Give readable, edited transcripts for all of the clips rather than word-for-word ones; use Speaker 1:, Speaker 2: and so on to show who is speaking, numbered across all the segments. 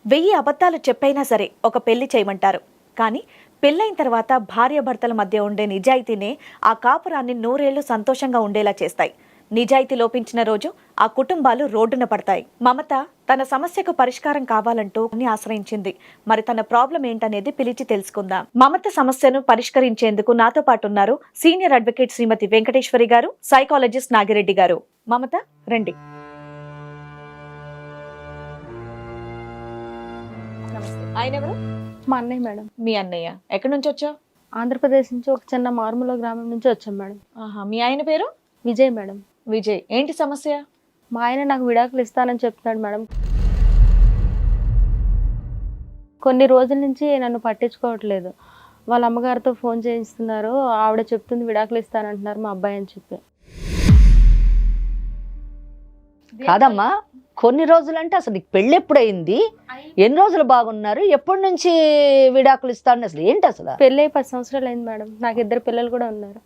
Speaker 1: 1000 అబద్ధాలు చెప్పైనా సరే ఒక పెళ్లి చేయమంటారు. కానీ పెళ్ళైన తర్వాత భార్యాభర్తల మధ్య ఉండే నిజాయితీనే ఆ కాపురాన్ని 100 ఏళ్లు సంతోషంగా ఉండేలా చేస్తాయి. నిజాయితీ లోపించిన రోజు ఆ కుటుంబాలు రోడ్డున పడతాయి. మమత తన సమస్యకు పరిష్కారం కావాలంటూ ఆశ్రయించింది. మరి తన ప్రాబ్లం ఏంటనేది పిలిచి తెలుసుకుందాం. మమత సమస్యను పరిష్కరించేందుకు నాతో పాటు ఉన్నారు సీనియర్ అడ్వకేట్ శ్రీమతి వెంకటేశ్వరి గారు, సైకాలజిస్ట్ నాగిరెడ్డి గారు. మమత రండి. ఆయన ఎవరు?
Speaker 2: మా అన్నయ్య మేడం.
Speaker 1: మీ అన్నయ్య. ఎక్కడి నుంచి వచ్చావు?
Speaker 2: ఆంధ్రప్రదేశ్ నుంచి ఒక చిన్న మారుమూల గ్రామం నుంచి వచ్చాం మేడం.
Speaker 1: మీ ఆయన పేరు?
Speaker 2: విజయ్ మేడం.
Speaker 1: విజయ్. ఏంటి సమస్య?
Speaker 2: మా ఆయన నాకు విడాకులు ఇస్తానని చెప్తున్నాడు మేడం. కొన్ని రోజుల నుంచి నన్ను పట్టించుకోవట్లేదు. వాళ్ళ అమ్మగారితో ఫోన్ చేయిస్తున్నారు. ఆవిడ చెప్తుంది విడాకులు ఇస్తానంటున్నారు మా అబ్బాయి అని చెప్పి.
Speaker 3: కాదమ్మా, కొన్ని రోజులంటే అసలు నీకు పెళ్ళి ఎప్పుడైంది? ఎన్ని రోజులు బాగున్నారు? ఎప్పటి నుంచి విడాకులు ఇస్తాను? అసలు ఏంటి అసలు?
Speaker 2: పెళ్ళి 10 సంవత్సరాలు అయింది మేడం. నాకు 2 పిల్లలు కూడా ఉన్నారు.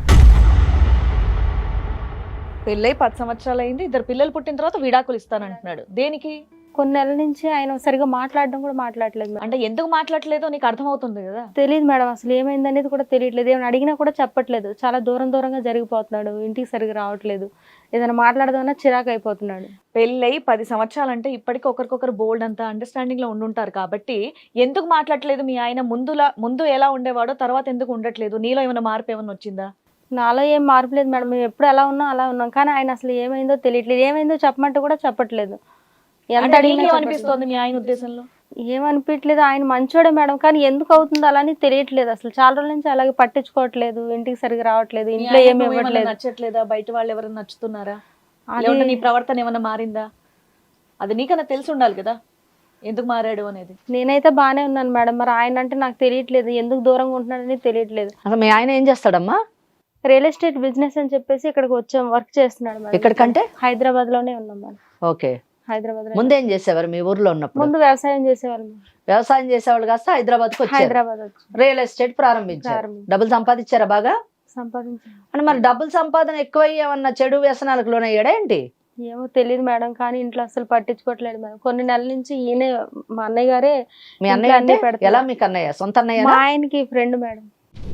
Speaker 1: పెళ్ళై 10 సంవత్సరాలు అయింది, 2 పిల్లలు పుట్టిన తర్వాత విడాకులు ఇస్తానంటున్నాడు. దేనికి?
Speaker 2: కొన్ని నెలల నుంచి ఆయన సరిగా మాట్లాడడం కూడా మాట్లాడలేదు మేడం.
Speaker 1: అంటే ఎందుకు మాట్లాడలేదో నీకు అర్థమవుతుంది కదా.
Speaker 2: తెలియదు మేడం, అసలు ఏమైంది అనేది కూడా తెలియట్లేదు. ఏమైనా అడిగినా కూడా చెప్పట్లేదు. చాలా దూరంగా జరిగిపోతున్నాడు. ఇంటికి సరిగా రావట్లేదు. ఏదైనా మాట్లాడదామన్నా చిరాకు అయిపోతున్నాడు.
Speaker 1: పెళ్ళై 10 సంవత్సరాలు అంటే ఇప్పటికీ ఒకరికొకరు బోల్డ్ అంతా అండర్స్టాండింగ్ లో ఉండుంటారు కాబట్టి ఎందుకు మాట్లాడలేదు మీ ఆయన? ముందు ఎలా ఉండేవాడో తర్వాత ఎందుకు ఉండట్లేదు? నీలో ఏమైనా మార్పు ఏమైనా వచ్చిందా?
Speaker 2: నాలో ఏం మార్పు లేదు మేడం. మేము ఎప్పుడు ఎలా ఉన్నాం అలా ఉన్నాం. కానీ ఆయన అసలు ఏమైందో తెలియట్లేదు. ఏమైందో చెప్పమంటే కూడా చెప్పట్లేదు. ఎంత అడిగినా
Speaker 1: అనిపిస్తోంది మీ ఆయన ఉద్దేశంలో?
Speaker 2: ఏమనిపించలేదు. ఆయన మంచోడే మేడం, కానీ ఎందుకు అవుతుందో అలానే తెలియట్లేదు. అసలు చాలా రోజుల నుంచి అలాగే పట్టించుకోవట్లేదు. ఇంటికి సరిగా రావట్లేదు. ఇంట్లో ఏమి ఇవ్వట్లేదు.
Speaker 1: నచ్చట్లేదా? బయట వాళ్ళు ఎవరైనా నచ్చుతున్నారా? నీ ప్రవర్తన ఏమైనా మారిందా? అది నీకన్నా తెలిసి ఉండాలి కదా ఎందుకు మారాడు అనేది.
Speaker 2: నేనైతే బానే ఉన్నాను మేడం. మరి ఆయన అంటే నాకు తెలియట్లేదు. ఎందుకు దూరంగా ఉంటున్నాడని తెలియట్లేదు.
Speaker 3: అసలు మీ ఆయన ఏం చేస్తాడమ్మా?
Speaker 2: రియల్ ఎస్టేట్ బిజినెస్ అని చెప్పేసి ఇక్కడికి వచ్చాం. వర్క్ చేస్తున్నాడు మేడం.
Speaker 3: ఎక్కడికంటే?
Speaker 2: హైదరాబాద్ లోనే ఉన్నాం మేడం.
Speaker 3: ఓకే.
Speaker 2: హైదరాబాద్ లో.
Speaker 3: ముందేం చేసేవారు మీ ఊర్లో ఉన్నప్పుడు?
Speaker 2: ముందు వ్యవసాయం చేసేవాళ్ళు.
Speaker 3: వ్యవసాయం చేసేవాళ్ళు కాస్త హైదరాబాద్ కు
Speaker 2: హైదరాబాద్ వచ్చి
Speaker 3: రియల్ ఎస్టేట్ ప్రారంభించారు. డబ్బులు సంపాదించారా బాగా?
Speaker 2: సంపాదించారు.
Speaker 3: అంటే మరి డబ్బులు సంపాదన ఎక్కువయ్యి ఏమన్నా చెడు వ్యసనాలకు లోనయ్యాడా ఏంటి?
Speaker 2: ఏమో తెలియదు మేడం, కానీ ఇంట్లో అసలు పట్టించుకోవట్లేదు మేడం. కొన్ని నెలల నుంచి ఈయనే మా అన్నయ్య గారే.
Speaker 3: మీ అన్నయ్య అంటే ఎలా? మీకు అన్నయ్య? సొంత అన్నయ్య?
Speaker 2: మా ఆయనకి ఫ్రెండ్ మేడం.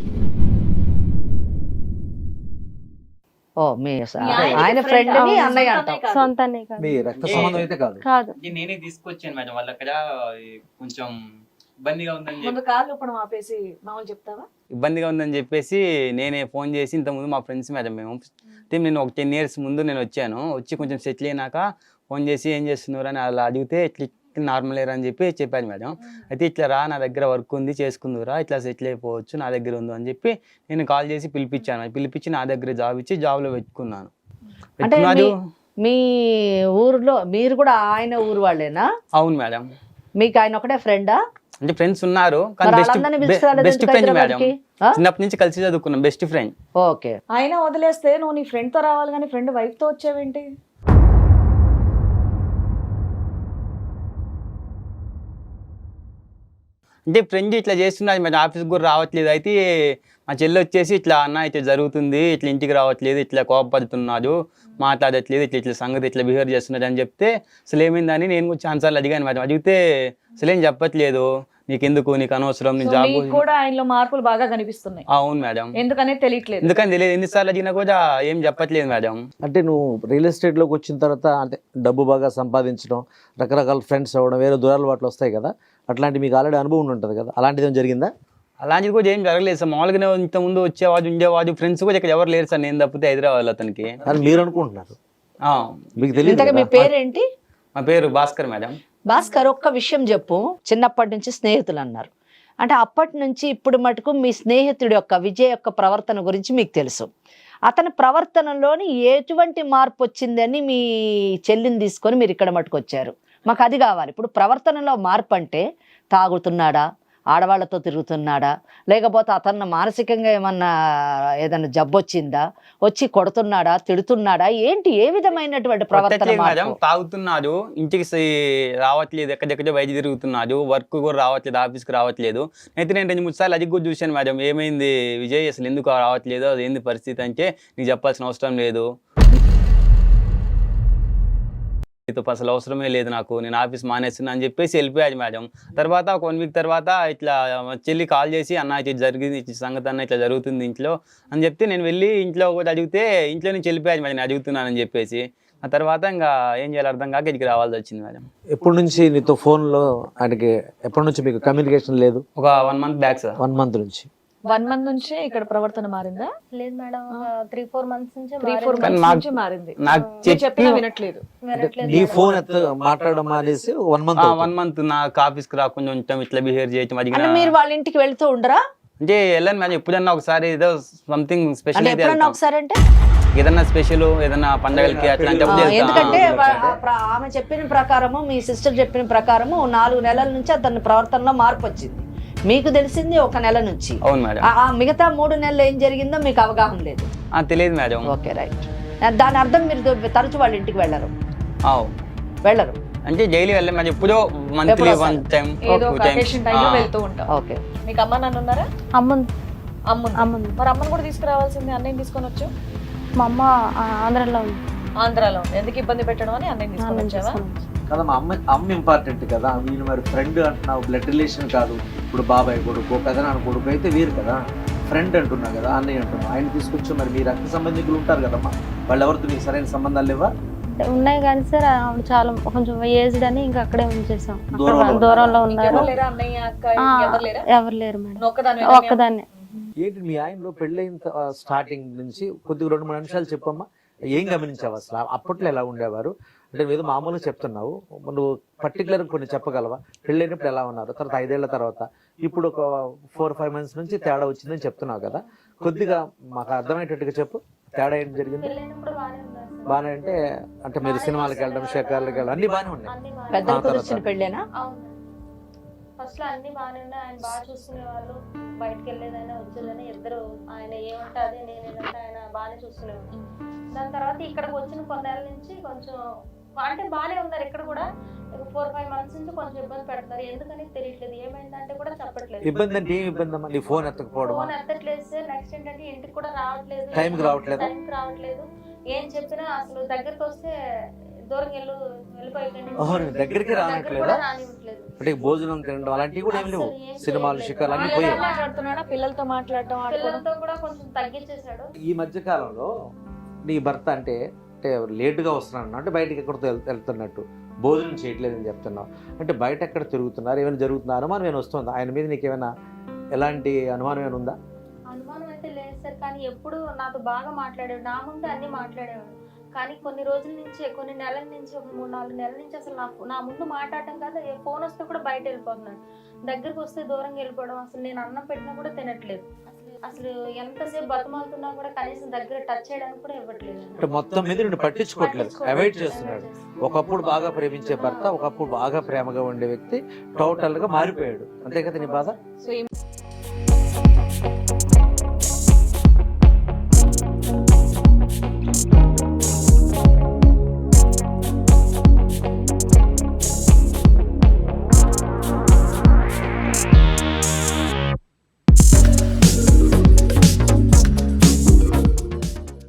Speaker 3: ఓ, మీ ఆయన ఫ్రెండ్ ని అన్నయ్య అంటాం.
Speaker 2: సొంత అన్నయ్య కాదు.
Speaker 4: మీ రక్త సంబంధం అయితే కాదు.
Speaker 2: కాదు.
Speaker 5: నేనే తీసుకొచ్చాను మేడం. వాళ్ళ అక్కడ కొంచెం ఇబ్బందిగా ఉందని
Speaker 1: ముందు కాళ్ళు ఇప్పుడు ఆపేసి మామూలు చెప్తావా?
Speaker 5: ఇబ్బందిగా ఉందని చెప్పేసి నేనే ఫోన్ చేసి ఇంతకుముందు మా ఫ్రెండ్స్ మేడం మేము నేను ఒక 10 years ముందు నేను వచ్చాను. వచ్చి కొంచెం సెటిల్ అయినాక ఫోన్ చేసి ఏం చేస్తున్నారు అని అలా అడిగితే ఇట్లా నార్మల్ ఎయిర్ అని చెప్పాను మేడం. అయితే ఇట్లా రా, నా దగ్గర వర్క్ ఉంది, చేసుకుందురా, ఇట్లా సెటిల్ అయిపోవచ్చు, నా దగ్గర ఉంది అని చెప్పి నేను కాల్ చేసి పిలిపించి నా దగ్గర జాబ్ ఇచ్చి జాబ్లో పెట్టుకున్నాను.
Speaker 3: అంటే మీ ఊర్లో మీరు కూడా ఆయన ఊరు వాళ్ళేనా?
Speaker 5: అవును మేడం.
Speaker 3: మీకు ఆయన ఒకటే ఫ్రెండా?
Speaker 5: అంటే ఫ్రెండ్స్ ఉన్నారు కానీ బెస్ట్ ఫ్రెండ్ మేడం. చిన్నప్పటి నుంచి కలిసి చదువుకున్నాం. Best friend.
Speaker 3: ఓకే.
Speaker 1: ఆయన వదిలేస్తే నువ్వు నీ ఫ్రెండ్ తో రావాలి కానీ ఫ్రెండ్ వైఫ్ తో వచ్చావేంటి?
Speaker 5: అంటే ఫ్రెండ్ ఇట్లా చేస్తున్నది మరి ఆఫీస్కి కూడా రావట్లేదు. అయితే మా చెల్లి వచ్చేసి ఇట్లా అన్న ఇట్లా జరుగుతుంది, ఇట్లా ఇంటికి రావట్లేదు, ఇట్లా కోపడుతున్నాడు, మాట్లాడట్లేదు, ఇట్లా సంగతి ఇట్లా బిహేవ్ చేస్తున్నాడు అని చెప్తే అసలు ఏమైందని నేను కూడా ఛాన్సార్లు అడిగాను మేడం. అడిగితే అసలు ఏం చెప్పట్లేదు, నీకెందుకు, నీకు అనవసరం, నీ జాబ్
Speaker 1: కూడా ఆయనలో మార్పులు బాగా కనిపిస్తున్నాయి.
Speaker 5: అవును మేడం.
Speaker 1: ఎందుకనేది తెలియట్లేదు.
Speaker 5: ఎందుకని తెలియదు. ఎన్నిసార్లు అడిగినా కూడా ఏం చెప్పట్లేదు మేడం.
Speaker 4: అంటే నువ్వు రియల్ ఎస్టేట్ లోకి వచ్చిన తర్వాత అంటే డబ్బు బాగా సంపాదించడం, రకరకాల ఫ్రెండ్స్ అవ్వడం, వేరే దూరాలవాట్లు వస్తాయి కదా, అట్లాంటి మీకు ఆల్రెడీ అనుభవం ఉంటుంది కదా, అలాంటిది ఏం జరిగిందా?
Speaker 5: అలాంటిది కూడా ఏం జరగలేదు సార్. మామూలుగానే ఇంత ముందు వచ్చేవాడు ఉండేవాడు. ఫ్రెండ్స్ కూడా ఇక్కడ ఎవరు లేరు సార్, నేను తప్పితే హైదరాబాద్ అతనికి.
Speaker 4: అని మీరు అనుకుంటున్నారు, మీకు
Speaker 3: ఇంతగా మీ
Speaker 4: తెలియదు.
Speaker 3: పేరేంటి?
Speaker 5: మా పేరు భాస్కర్ మేడం.
Speaker 3: భాస్కర్, ఒక్క విషయం చెప్పు. చిన్నప్పటి నుంచి స్నేహితులు అన్నారు, అంటే అప్పటి నుంచి ఇప్పుడు మటుకు మీ స్నేహితుడి యొక్క విజయ్ యొక్క ప్రవర్తన గురించి మీకు తెలుసు. అతని ప్రవర్తనలోని ఎటువంటి మార్పు వచ్చిందని మీ చెల్లిని తీసుకొని మీరు ఇక్కడ మటుకు వచ్చారు. మాకు అది కావాలి. ఇప్పుడు ప్రవర్తనలో మార్పు అంటే తాగుతున్నాడా, ఆడవాళ్లతో తిరుగుతున్నాడా, లేకపోతే అతను మానసికంగా ఏదన్నా జబ్బు వచ్చిందా, వచ్చి కొడుతున్నాడా, తిడుతున్నాడా, ఏంటి? ఏ విధమైనటువంటి ప్రవర్తన?
Speaker 5: మేడం తాగుతున్నాడు, ఇంటికి రావట్లేదు, ఎక్కడెక్కడో బయట తిరుగుతున్నాడు, వర్క్ కూడా రావట్లేదు, ఆఫీస్కి రావట్లేదు. అయితే నేను 2-3 సార్లు అది కూడా చూశాను మేడం. ఏమైంది విజయ్, అసలు ఎందుకు రావట్లేదు, అది ఏంది పరిస్థితి అంటే నీకు చెప్పాల్సిన అవసరం లేదు, నీతో అసలు అవసరమే లేదు నాకు, నేను ఆఫీస్ మానేస్తున్నా అని చెప్పేసి వెళ్ళిపోయాడు మేడం. తర్వాత ఒక 1 వీక్ తర్వాత ఇట్లా మా చెల్లి కాల్ చేసి అన్న ఇట్లా జరిగింది, ఇట్లా సంగతి అన్న ఇట్లా జరుగుతుంది ఇంట్లో అని చెప్తే నేను వెళ్ళి ఇంట్లో కూడా అడిగితే ఇంట్లో నుంచి వెళ్ళిపోయాడు మేడం, నేను అడుగుతున్నానని చెప్పేసి. ఆ తర్వాత ఇంకా ఏం చేయాలి అర్థం కాక ఇక్కడికి రావాల్సి వచ్చింది మేడం.
Speaker 4: ఎప్పటి నుంచి నీతో ఫోన్లో ఆయనకి ఎప్పటి నుంచి మీకు కమ్యూనికేషన్ లేదు?
Speaker 5: ఒక 1 మంత్ బ్యాక్ సార్.
Speaker 4: 1 మంత్ నుంచి.
Speaker 1: 1 మంత్ నుంచే ఇక్కడ ప్రవర్తన మారిందా?
Speaker 2: లేదు మేడం, 3-4 months నుంచి
Speaker 1: 3-4
Speaker 5: కానీ
Speaker 1: months
Speaker 5: నాకు-
Speaker 1: నుంచి మారింది.
Speaker 5: నాకు
Speaker 1: మీరు చెప్పినా
Speaker 5: చెప్పి
Speaker 1: వినట్లేదు.
Speaker 4: నీ ఫోన్ మాట్లాడడం మానేసి 1 మంత్
Speaker 5: 1 మంత్ నాకు ఆఫీస్కి రాకుండా ఉంటాం, ఇట్లా బిహేవ్ చేయటం
Speaker 3: అంటే
Speaker 5: అడిగిన
Speaker 3: మీరు వాళ్ళ ఇంటికి వెళ్తూ ఉండరా?
Speaker 5: అంటే వెళ్ళాను మేడం. ఎప్పుడన్నా ఒకసారి ఏదో సంథింగ్ స్పెషల్
Speaker 3: అంటే
Speaker 5: అయితే
Speaker 3: ఎప్పుడన్నా
Speaker 5: వెళ్తాం.
Speaker 3: ఒకసారి అంటే
Speaker 5: ఏదన్నా స్పెషల్ ఏదన్నా పండగలకి అట్లాంటప్పుడు వెళ్తాం.
Speaker 3: ఎందుకంటే ఆమె చెప్పిన ప్రకారము, మీ సిస్టర్ చెప్పిన ప్రకారము 4 నెలల నుంచి అతని ప్రవర్తనలో మార్పు వచ్చింది. మీకు తెలిసింది 1 నెల నుంచి.
Speaker 5: అవును మేడం.
Speaker 3: ఆ మిగతా 3 నెలలు ఏం జరిగిందో మీకు అవగాహన లేదు.
Speaker 5: తెలియదు మేడం.
Speaker 3: Okay, right. దాని అర్థం మీరు తరచు వాళ్ళ ఇంటికి వెళ్ళరు? వెళ్ళరు
Speaker 5: అంటే డైలీ వెళ్ళాం మేడం, ఎప్పుడో మంత్లీ
Speaker 3: ఎప్పుడో
Speaker 5: 1 టైం
Speaker 1: ఏదో ఒక
Speaker 5: 2
Speaker 1: అకేషన్ టైంలో
Speaker 5: టైమ్స్.
Speaker 1: వెళ్తూ ఉంటాం.
Speaker 3: ఓకే.
Speaker 1: మీకు అమ్మ నాన్న ఉన్నారా?
Speaker 2: అమ్ముంది.
Speaker 1: అమ్ముంది. మరి అమ్మని కూడా తీసుకురావాల్సింది, అన్నయ్యని తీసుకొని వచ్చు.
Speaker 2: మా అమ్మ ఆంధ్రాలో ఉంది.
Speaker 1: ఆంధ్రాలో ఉంది, ఎందుకు ఇబ్బంది పెట్టడం అని అన్నయ్యని తీసుకొని వచ్చావా?
Speaker 4: కదా మా అమ్మ ఇంపార్టెంట్ కదా. వీళ్ళు మరి ఫ్రెండ్ అంటున్నావు, బ్లడ్ రిలేషన్ కాదు. ఇప్పుడు బాబాయ్ కొడుకు, పెదనాన్న కొడుకు అయితే వీరు కదా. ఫ్రెండ్ అంటున్నావు కదా, అన్నయ్య అంటున్నావు. ఆయన తీసుకొచ్చి మరి మీ రక్త సంబంధికులు ఉంటారు కదమ్మా, వాళ్ళు ఎవరితో నీకు సరైన సంబంధాలు లేవా?
Speaker 2: ఉన్నాయి కానీ సార్ ఆవిడ చాలా కొంచెం ఏజ్డ్ అని ఇంకా అక్కడే ఉంచేసాం. దూరంలో ఉన్నారు.
Speaker 1: ఎవరు లేరా? అన్నయ్య అక్క ఎవరు లేరా?
Speaker 2: ఎవరు లేరు మేడం,
Speaker 1: నువ్వు ఒక్కదానివే?
Speaker 2: ఒక్కదాన్నే.
Speaker 4: ఏంటి మీ ఆయనలో పెళ్ళైన స్టార్టింగ్ నుంచి కొద్దిగా 2-3 నిమిషాలు చెప్పమ్మా. ఏం గమనించావు అసలు? అప్పట్లో ఎలా ఉండేవారు? అంటే ఏదో మామూలుగా చెప్తున్నావు, నువ్వు పర్టికులర్ కొన్ని చెప్పగలవా? పెళ్ళైనప్పుడు ఎలా ఉన్నారు, తర్వాత 5 ఏళ్ల తర్వాత, ఇప్పుడు ఒక 4-5 months నుంచి తేడా వచ్చిందని చెప్తున్నావు కదా. కొద్దిగా మాకు అర్థమయ్యేటట్టుగా చెప్పు, తేడా ఏంటి జరిగింది?
Speaker 2: పెళ్ళైనప్పుడు బాగానే ఉన్నారు సార్.
Speaker 4: బాగానే అంటే మీరు సినిమాలకు వెళ్ళడం, షేకార్లకు వెళ్ళడం అన్ని బాగానే ఉన్నాయి.
Speaker 2: అన్ని బాగానే
Speaker 3: పెద్దలు
Speaker 4: ఆ తర్వాత.
Speaker 3: కుదిర్చిన పెళ్ళేనా?
Speaker 2: అవును. ఫస్ట్ లో అన్ని బాగానే ఉన్నాయి. ఆయన బాగా చూసుకునేవాళ్ళు, బయటకు వెళ్ళేదైనా వచ్చేదైనా ఇద్దరు. ఆయన ఏమంటే అదే, నేనేమంటే ఆయన బాగానే చూసుకునేవాళ్ళు. దాని తర్వాత ఇక్కడికి వచ్చిన కొన్నేళ్ళ నుంచి కొంచెం అంటే బాగానే ఉన్నారు. ఇక్కడ కూడా 4-5 months నుంచి కొంచెం ఇబ్బంది పెడతారు. ఎందుకని తెలియట్లేదు. ఏమైందంటే కూడా చెప్పట్లేదు.
Speaker 4: ఇబ్బంది అంటే ఏం ఇబ్బంది అమ్మా? నీ ఫోన్ ఎత్తకపోవడం,
Speaker 2: ఫోన్ ఎత్తట్లేదు సార్. నెక్స్ట్ ఏంటంటే ఇంటికి కూడా రావట్లేదు.
Speaker 4: టైంకి రావట్లేదా?
Speaker 2: టైంకి రావట్లేదు. ఏం చెప్పినా అసలు దగ్గరికి వస్తే దూరం వెళ్ళిపోయింది.
Speaker 4: దగ్గరికి రావట్లేదా?
Speaker 2: రానివ్వట్లేదు.
Speaker 4: అంటే భోజనం తినడం అలాంటివి కూడా ఏం లేవు? సినిమాలు, షికార్లు అన్ని పోయాయి.
Speaker 1: మాట్లాడుతున్నాడా? పిల్లలతో మాట్లాడటం, ఆడుకోవడం?
Speaker 2: పిల్లలతో కూడా కొంచెం తగ్గించేశాడు.
Speaker 4: ఈ మధ్య కాలంలో నీ భర్త అంటే లేటుగా వస్తున్నాను అంటే బయటకి ఎక్కడితో వెళ్తున్నట్టు, భోజనం చేయట్లేదని చెప్తున్నావు. అంటే బయట ఎక్కడ తిరుగుతున్నారు, ఏమైనా జరుగుతున్నా అనుమానం ఏమైనా వస్తుందా ఆయన మీద? నీకు ఏమైనా ఎలాంటి అనుమానం ఏమైనా ఉందా?
Speaker 2: అనుమానం అయితే లేదు సార్, కానీ ఎప్పుడు నాతో బాగా మాట్లాడాడు. నా ముందు అన్ని మాట్లాడేవాడు. కానీ కొన్ని రోజుల నుంచి, కొన్ని నెలల నుంచి, ఒక 3-4 నెలల నుంచి అసలు నా ముందు మాట్లాడటం కాదు, ఫోన్ వస్తే కూడా బయట వెళ్ళిపోతున్నాడు. దగ్గరికి వస్తే దూరంగా వెళ్ళిపోవడం. అసలు నేను అన్నం పెట్టినా కూడా తినట్లేదు. అసలు ఎంతసేపు బతమాలుతున్నా కూడా కనీసం దగ్గర టచ్ చేయడానికి కూడా ఇవ్వట్లేదు.
Speaker 4: అంటే మొత్తం మీద నిన్ను పట్టించుకోవట్లేదు, అవాయిడ్ చేస్తున్నాడు. ఒకప్పుడు బాగా ప్రేమించే భర్త, ఒకప్పుడు బాగా ప్రేమగా ఉండే వ్యక్తి టోటల్ గా మారిపోయాడు. అంతే కదా నీ బాధ?
Speaker 1: సో